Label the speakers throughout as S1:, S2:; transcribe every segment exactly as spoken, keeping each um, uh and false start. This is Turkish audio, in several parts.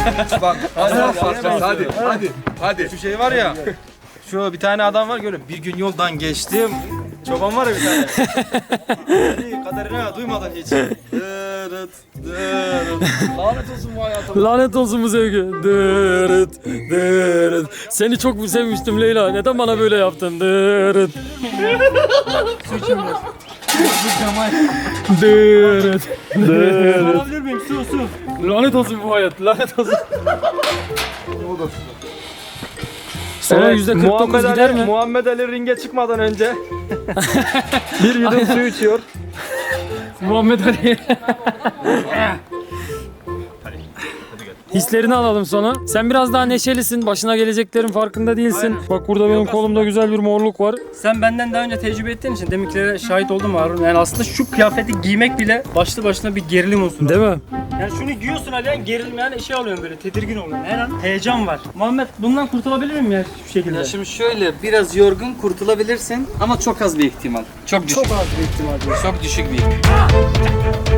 S1: Bak hadi hadi hadi hadi hadi.
S2: Şu şey var ya. Şu bir tane adam var görüyorum. Bir gün yoldan geçtim. Çoban var ya bir tane. İyi kadarına duymadan hiç. Dırıt dırıt. Lanet olsun bu hayatım.
S3: Lanet olsun bu sevgi. Dırıt dırıt. Seni çok sevmiştim Leyla. Neden bana böyle yaptın? Dırıt. Dırıt. Dırıt.
S2: Alabilir miyim? Su su.
S3: Lanet olsun bu hayat. Lanet olsun.
S1: O da
S3: Sonra yüzde kırk dokuz
S2: Muhammed
S3: gider
S2: Ali,
S3: mi?
S2: Muhammed Ali ringe çıkmadan önce bir yudum su içiyor.
S3: Muhammed Ali. Hislerini alalım sonra. Sen biraz daha neşelisin. Başına geleceklerin farkında değilsin.
S4: Aynen.
S3: Bak burada benim kolumda güzel bir morluk var.
S4: Sen benden daha önce tecrübe ettiğin için deminkilere şahit oldum Harun. Yani aslında şu kıyafeti giymek bile başlı başına bir gerilim unsuru.
S3: Değil mi?
S4: Yani şunu giyiyorsun Alihan, gerilim yani şey oluyorum böyle, tedirgin oluyorum. Her an heyecan var. Muhammed bundan kurtulabilir miyim ya şu şekilde?
S5: Ya şimdi şöyle biraz yorgun kurtulabilirsin ama çok az bir ihtimal. Çok düşük.
S4: Çok az bir ihtimal diyor.
S5: Çok düşük bir ihtimal.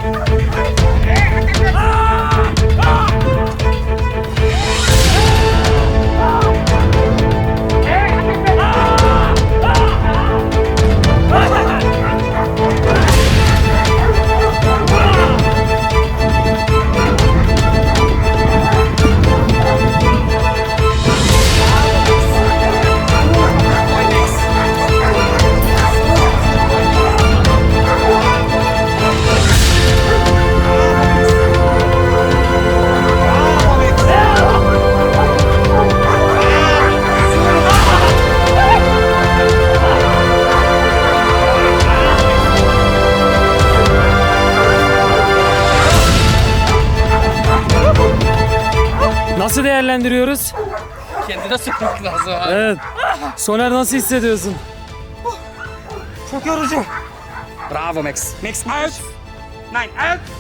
S3: Nasıl değerlendiriyoruz?
S5: Kendine sokmak lazım abi.
S3: Evet. Soner nasıl hissediyorsun?
S4: Çok yorucu.
S5: Bravo Max.
S4: Max out. Nine out.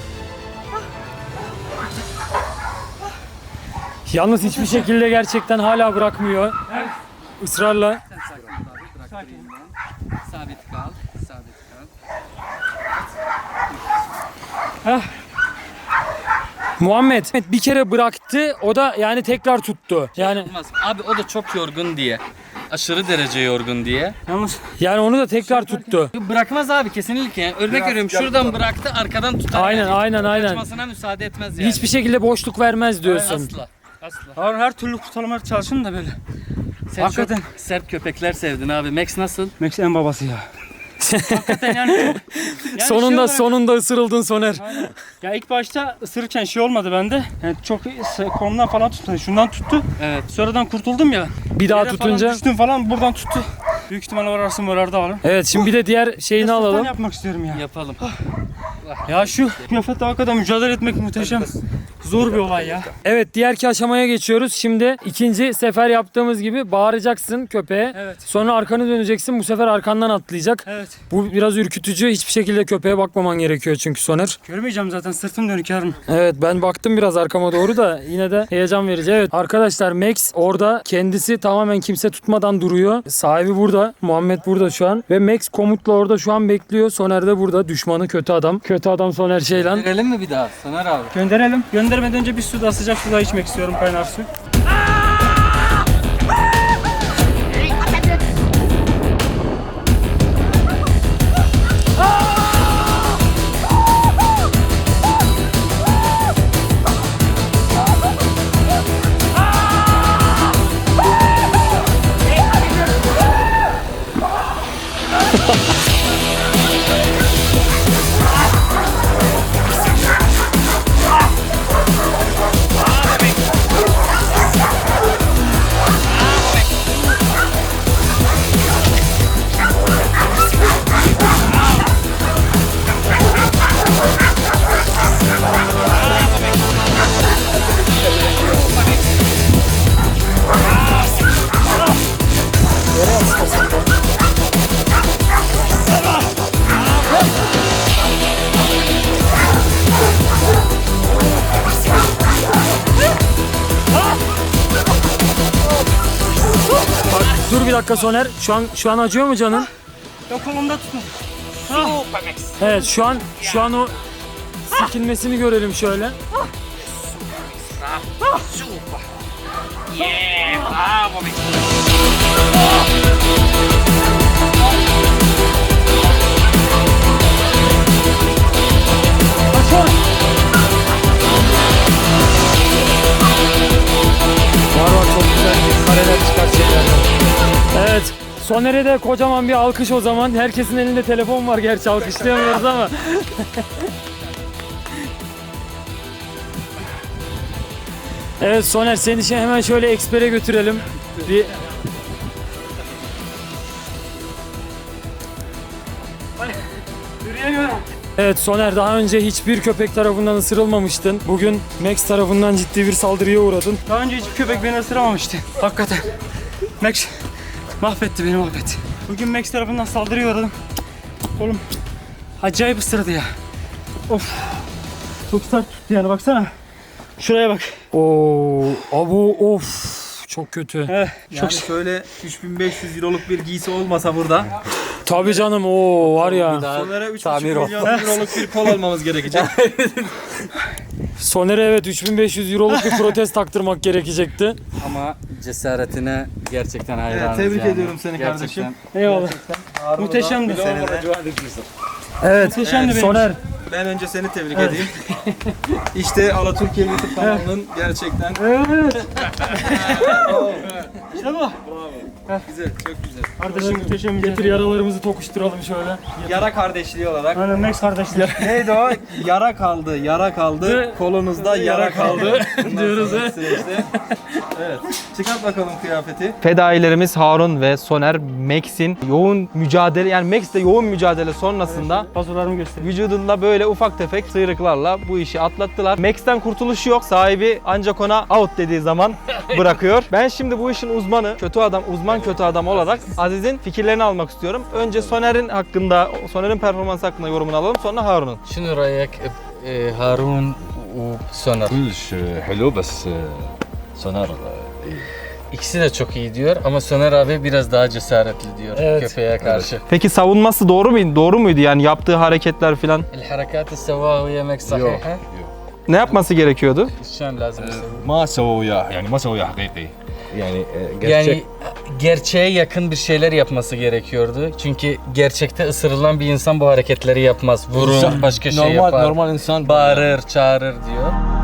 S3: Yalnız hiçbir şekilde gerçekten hala bırakmıyor. Israrla.
S5: Sabit kal. Sabit kal.
S3: Muhammed bir kere bıraktı. O da yani tekrar tuttu. Yani
S5: Olmaz. Abi o da çok yorgun diye. Aşırı derece yorgun diye.
S4: Yalnız
S3: yani onu da tekrar tuttu.
S5: Bırakmaz abi kesinlikle. Yani örnek veriyorum şuradan bıraktı arkadan tutar.
S3: Aynen,
S5: yani.
S3: aynen, aynen.
S5: Kaçmasına müsaade etmez yani.
S3: Hiçbir şekilde boşluk vermez diyorsun.
S5: Asla. Asla.
S4: Harun her türlü kurtarmaya çalışın da böyle.
S5: Sen
S4: Hakikaten.
S5: çok sert köpekler sevdin abi. Max nasıl?
S4: Max en babası ya. Hakikaten yani çok... Yani
S3: sonunda
S4: şey olarak-
S3: sonunda ısırıldın Soner.
S4: Ya ilk başta ısırırken şey olmadı bende. Yani çok kolumdan falan tuttu. Şundan tuttu.
S5: Evet.
S4: Sonradan kurtuldum ya.
S3: Bir daha
S4: Yere
S3: tutunca.
S4: Falan düştüm falan buradan tuttu. Büyük ihtimalle orası morarda alın.
S3: Evet şimdi bir de diğer şeyini
S4: Sultan
S3: alalım.
S4: yapmak istiyorum ya.
S5: Yapalım.
S4: Ya şu kıyafetle hakikaten mücadele etmek muhteşem. Zor bir olay ya.
S3: Evet diğerki aşamaya geçiyoruz. Şimdi ikinci sefer yaptığımız gibi bağıracaksın köpeğe.
S4: Evet.
S3: Sonra arkanı döneceksin. Bu sefer arkandan atlayacak.
S4: Evet.
S3: Bu biraz ürkütücü. Hiçbir şekilde köpeğe bakmaman gerekiyor çünkü Soner.
S4: Görmeyeceğim zaten, sırtım dönük Harun.
S3: Evet ben baktım biraz arkama doğru da yine de heyecan verici. Evet arkadaşlar Max orada kendisi tamamen kimse tutmadan duruyor. Sahibi burada. Muhammed burada şu an. Ve Max komutla orada şu an bekliyor. Soner de burada. Düşmanı kötü adam. Kötü adam Soner Şeylan.
S5: Verelim mi bir daha? Soner abi.
S4: Gönderelim. Göndermeden önce bir su da sıcak su da içmek istiyorum, kaynar su.
S3: Dur bir dakika Soner. Şu an şu an acıyor mu canın?
S4: Yok, kolumda tutun.
S3: Evet şu an şu an o silkinmesini görelim şöyle. Var var, çok güzel kareler çıkartacaklar. Evet. Soner'e de kocaman bir alkış o zaman. Herkesin elinde telefon var, gerçi alkışlayamıyoruz ama. Evet Soner, seni şey hemen şöyle ekspere götürelim. Bir... Evet Soner, daha önce hiçbir köpek tarafından ısırılmamıştın. Bugün Max tarafından ciddi bir saldırıya uğradın.
S4: Daha önce hiçbir köpek beni ısıramamıştı. Hakikaten. Max mahvetti beni, mahvetti. Bugün Max tarafından saldırıya uğradım. Oğlum acayip ısırdı ya. Of. Çok sert tuttu yani, baksana. Şuraya bak.
S3: Oo, abo of. Çok kötü.
S4: Evet,
S2: Yani
S4: çok
S2: şöyle üç bin beş yüz euroluk bir giysi olmasa burada
S3: Tabii canım, o var ya.
S2: Soner'e üç buçuk milyon euroluk bir kol almamız gerekecek.
S3: Soner'e evet üç bin beş yüz euroluk bir protez taktırmak gerekecekti.
S5: Ama cesaretine gerçekten hayranız.
S2: Evet, tebrik
S5: yani.
S2: ediyorum seni
S5: Gerçekten.
S2: kardeşim.
S4: eyvallah. Muhteşemdi.
S3: Evet
S4: Muhteşemdi benim
S3: Soner.
S2: Ben önce seni tebrik edeyim. İşte Alatürkiye YouTube kanalının gerçekten
S4: İşte bu.
S2: güzel, çok güzel.
S4: Kardeşim muhteşem.
S3: Getir yaralarımızı tokuşturalım şöyle.
S2: Yara kardeşliği olarak.
S4: Aynen Max kardeşler.
S2: Neydi o? Yara kaldı, yara kaldı. Kolunuzda yara kaldı.
S3: diyoruz he.
S2: Süreçte. Evet. Çıkart bakalım kıyafeti. Fedailerimiz Harun ve Soner, Max'in yoğun mücadele, yani Max'le yoğun mücadele sonrasında
S4: Pasolarımı göster.
S2: vücudunda böyle ufak tefek sıyrıklarla bu işi atlattılar. Max'ten kurtuluş yok. Sahibi ancak ona out dediği zaman bırakıyor. Ben şimdi bu işin uzmanı, kötü adam, uzman kötü adam olarak Aziz'in fikirlerini almak istiyorum. Önce Soner'in hakkında, Soner'in performansı hakkında yorumunu alalım. Sonra Harun'un.
S5: شنو رايك بهارون وسونر؟
S1: كلش حلو بس سونار
S5: İkisi de çok iyi diyor ama Soner abi biraz daha cesaretli diyor
S3: Evet.
S5: köpeğe karşı.
S2: Peki savunması doğru muydu? Doğru muydu yani yaptığı hareketler filan?
S5: الحركات اللي سواها ويا ماك صحيحة؟
S2: Ne yapması gerekiyordu?
S5: شلون لازم يسوي؟
S1: ما سووا وياه يعني ما سووا وياه حقيقي يعني gerçek.
S5: Yani gerçeğe yakın bir şeyler yapması gerekiyordu. Çünkü gerçekte ısırılan bir insan bu hareketleri yapmaz. Vurur, başka şey
S1: normal
S5: yapar.
S1: normal insan
S5: Bağırır, çağırır diyor.